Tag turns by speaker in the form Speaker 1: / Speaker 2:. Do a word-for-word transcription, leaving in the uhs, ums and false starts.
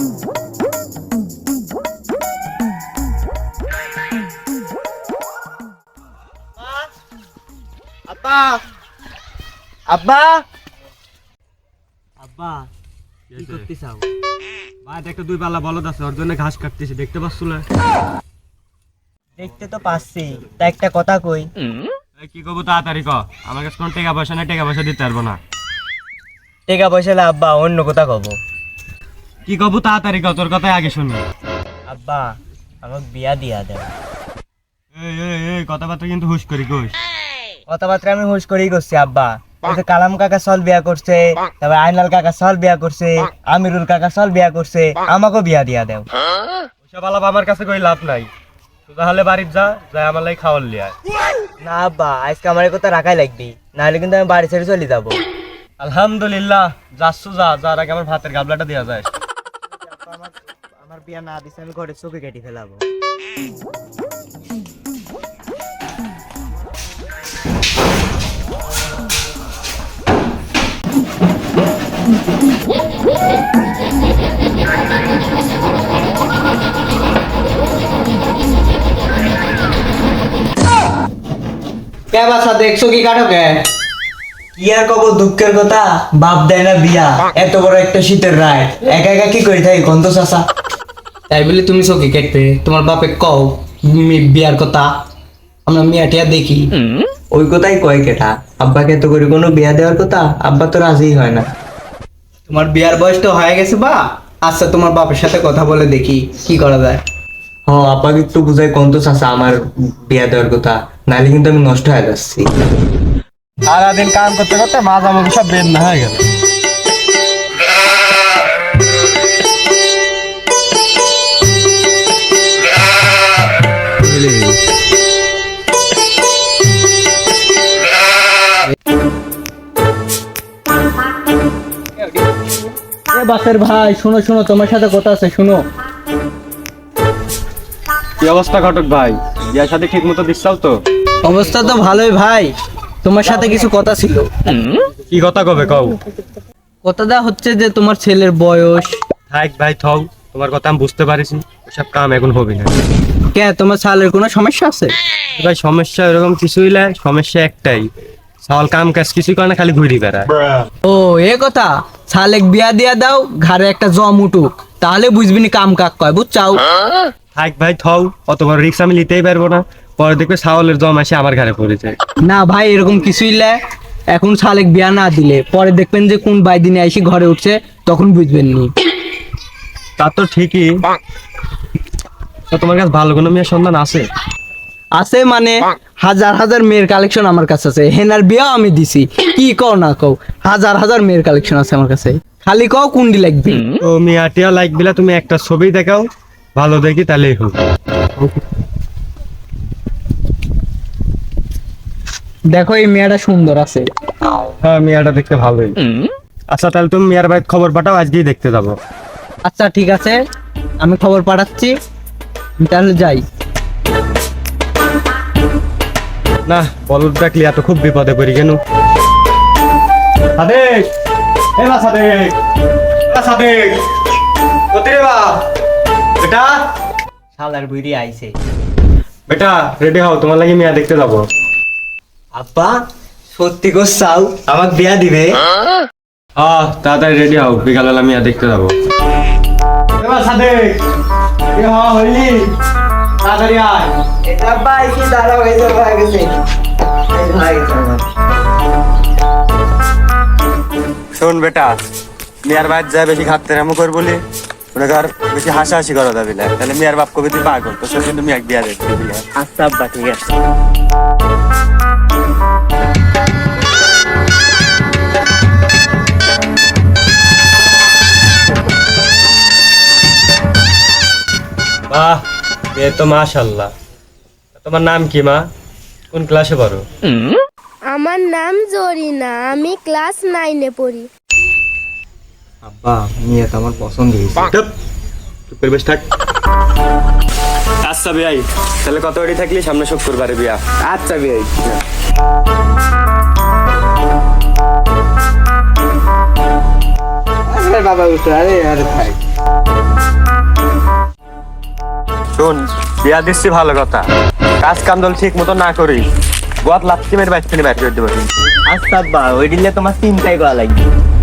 Speaker 1: আব্বা আব্বা আব্বা কি করতে চাও?
Speaker 2: ভাই একটা দুই পাল্লা বলদ আছে, ওর জন্য ঘাস কাটতেছি, দেখতে পাচ্ছ না?
Speaker 1: দেখতে তো পাচ্ছি, তা একটা কথা কই।
Speaker 2: এই কি কব তাড়াতাড়ি ক, আমার কাছে কোনো টাকা পয়সা নেই, টাকা পয়সা দিতে পারবো না।
Speaker 1: টাকা পয়সা না আব্বা, অন্য কথা কব।
Speaker 2: কি কব তাড়াতাড়ি ক, তোর কথাই আগে শুনি।
Speaker 1: আব্বা আমাকে বিয়া দিয়া দেও।
Speaker 2: এই এই এই কথাবার্তা কিন্তু হুশ করি কইস।
Speaker 1: কথাবার্তা আমি হুশ করেই করছি আব্বা। ওই যে কালাম কাকা সল বিয়া করছে, তারপর আইনাল কাকা সল বিয়া করছে, আমিরুল কাকা সল বিয়া করছে, আমাকেও বিয়া দিয়া দেও।
Speaker 2: ওসব আলাপ আমার কাছে কই লাভ নাই, তুই তাহলে বাড়ির যা, যাই আমার লাগি খাওয়ার লিয়ে আয়।
Speaker 1: না আব্বা, আজকে আমার এই কথা রাখাই লাগবি, নাহলে কিন্তু আমি বাড়ি ছেড়ে চলে যাবো।
Speaker 2: আলহামদুলিল্লাহ, যাচ্ছ যা, যার আগে আমার ভাতের গাবলাটা দেওয়া যায়।
Speaker 1: আমার বিয়া না দিছে আমি ঘরে চোখে কেটে ফেলাবো। কে বাসা দেখছো কি কাটো কে? কি আর কব দুঃখের কথা, বাপ দেয় না বিয়া, এত বড় একটা শীতের রায় একা একা কি করে থাকি গন্ধ চাষা।
Speaker 3: তাই বলে তুমি চোখে কেটবে? তোমার বাপে কও মি- বিয়ার কথা, আমরা মিয়া টিয়া দেখি।
Speaker 1: ওই কথাই কয় কেটা, আব্বাকে তো করে কোনো বিয়া দেওয়ার কথা, আব্বা তো রাজি হয় না।
Speaker 3: তোমার বিয়ার বয়স তো হয়ে গেছে বা, আচ্ছা তোমার বাপের সাথে কথা বলে দেখি কি করা যায়।
Speaker 1: হ আব্বাকে একটু বুঝাই গন্ধ চাষা আমার বিয়া দেওয়ার কথা, নাহলে কিন্তু আমি নষ্ট হয়ে যাচ্ছি।
Speaker 2: সারাদিন কাম করতে করতে মাঝ আমাকে সব বের না হয়ে গেল।
Speaker 3: বাসের ভাই শোনো শোনো, তোমার সাথে কথা আছে, শুনো।
Speaker 2: কি অবস্থা ঘটক ভাই, বিয়ার সাথে ঠিক মতো দিচ্ছাও তো?
Speaker 3: অবস্থা তো ভালোই ভাই, তোমার সাথে কিছু কথা ছিল।
Speaker 2: কি কথা কবে কও?
Speaker 3: কথাটা হচ্ছে যে তোমার ছেলের বয়স।
Speaker 2: থাক ভাই থও, তোমার কথা আমি বুঝতে পারিছি, ওসব কাম এখন হবে না।
Speaker 3: কে তোমার ছেলের কোনো সমস্যা আছে?
Speaker 2: ভাই সমস্যা এরকম কিছুই নাই, সমস্যা একটাই, সাল কাম কাজ কিছুই করে না, খালি ঘুরি বেড়ায়।
Speaker 3: ও এ কথা, শালেক বিয়া দিয়া দাও, ঘরে একটা জম উঠুক, তাহলে বুঝবি নি কাম কাক কয়, বুঝছাও?
Speaker 2: থাক ভাই থও, অত বড় রিক্স আমি নিতেই পারবো না, পরে দেখবে ছাগলের জম আসে আমার ঘরে পড়েছে।
Speaker 3: না ভাই এরকম কিছুই লে, এখন শালেক বিয়া না দিলে পরে দেখবেন যে কোন বাইদিনে এসে ঘরে উঠছে, তখন বুঝবেন নি।
Speaker 2: তা তো ঠিকই, তো তোমার কাছে ভালো কোনো মেয়ের সন্ধান আছে?
Speaker 3: আছে মানে হাজার হাজার মেয়ের কালেকশন আমার কাছে আছে, হেনার বিয়াও আমি দিছি, কি কও না কও, হাজার হাজার মেয়ের কালেকশন আছে আমার কাছে, খালি কও কোনটি লাগবে।
Speaker 2: তো মিয়াটিয়া লাইক বিলা তুমি একটা ছবি দেখাও, ভালো দেখি তাহলেই হোক।
Speaker 3: দেখো এই মেয়েটা সুন্দর আছে।
Speaker 2: হ্যাঁ মিয়াটা দেখতে ভালোই। আচ্ছা তাহলে তুমি মিয়ার ভাই খবর পাঠাও, আজকেই দেখতে যাবো।
Speaker 3: আচ্ছা ঠিক আছে, আমি খবর পাঠাচ্ছি, আমি তাহলে যাই।
Speaker 2: না বলদ ডাকলি এত খুব বিপদে পড়ি কেন? সাদেক, এ বা সাদেক, বা সাদেক, কোথায় রে বা? বেটা,
Speaker 1: শালার বুড়ি আইছে।
Speaker 2: বেটা রেডি হও, তোমার লাগি মিয়া দেখতে যাবো।
Speaker 1: আব্বা সত্যি গো চাও আমাকে বিয়া দিবে?
Speaker 2: হ্যাঁ তাড়াতাড়ি রেডি হও, বিকালবেলা মিয়া দেখতে যাবো। এ বা সাদেক, এ হ্যাঁ হইলি, তাড়াতাড়ি আয়।
Speaker 1: এটা আব্বা কি দাঁড়া হয়ে যাবে হয়ে গেছে। এই ভাই আমার
Speaker 2: শোন বেটা, মিয়ার ভাই যা বেশি খাটতে রামো কর বলি, ওটা ঘর বেশি হাসাহাসি করা যাবে না, তাহলে মিয়ার বাপ কবি তুই পাগল, তো সে কিন্তু মিয়াক বিয়া দেখতে দিলে।
Speaker 1: আচ্ছা আব্বা ঠিক আছে।
Speaker 2: বাহ এ তো মাশাআল্লাহ। তোমার নাম কি মা, কোন ক্লাসে পড়ো?
Speaker 4: আমার নাম জরিনা, আমি ক্লাস নাইনে পড়ি।
Speaker 1: আব্বা মেয়ে তো আমার পছন্দ হয়েছে।
Speaker 2: চুপ চুপ করে বসে থাক। আচ্ছা বিয়াই, তাহলে কত ওড়ি থাকলি সামনে শুক্রবারে বিয়া?
Speaker 1: আচ্ছা বিয়াই। আরে বাবা উঠো, আরে আরে ভাই
Speaker 2: শোন বিয়া দিচ্ছি ভালো কথা, কাজ কাম দল ঠিক মতো না করি গত লাত্তি মেরে বাইক থেকে বাইর করে দেবো।
Speaker 1: আচ্ছা আব্বা, ওই দিলে তোমার চিন্তাই করা লাগবে।